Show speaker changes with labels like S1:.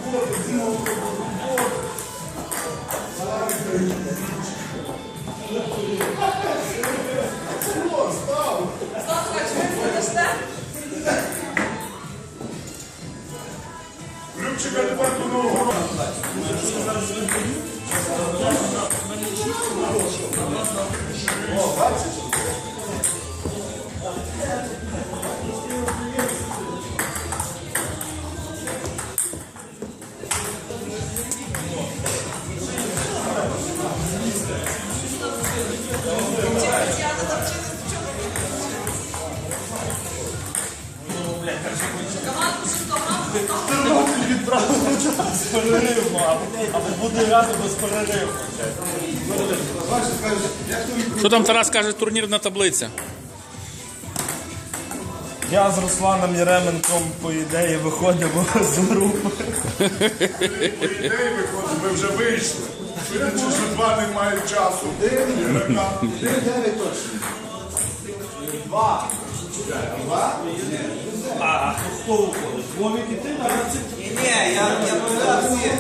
S1: Любчика тепер до нового року. О, бачиш?
S2: З переривом, або буде грати без перериву.
S3: Що там Тарас каже, турнірна таблиця?
S2: Я з Русланом Єременком, по ідеї, виходимо з групи.
S1: По ідеї виходить, ми вже вийшли. Судячи, що два не мають часу.
S4: 9 точно. 2.
S2: А хто уходить? Вовік і ти?
S4: Ні, я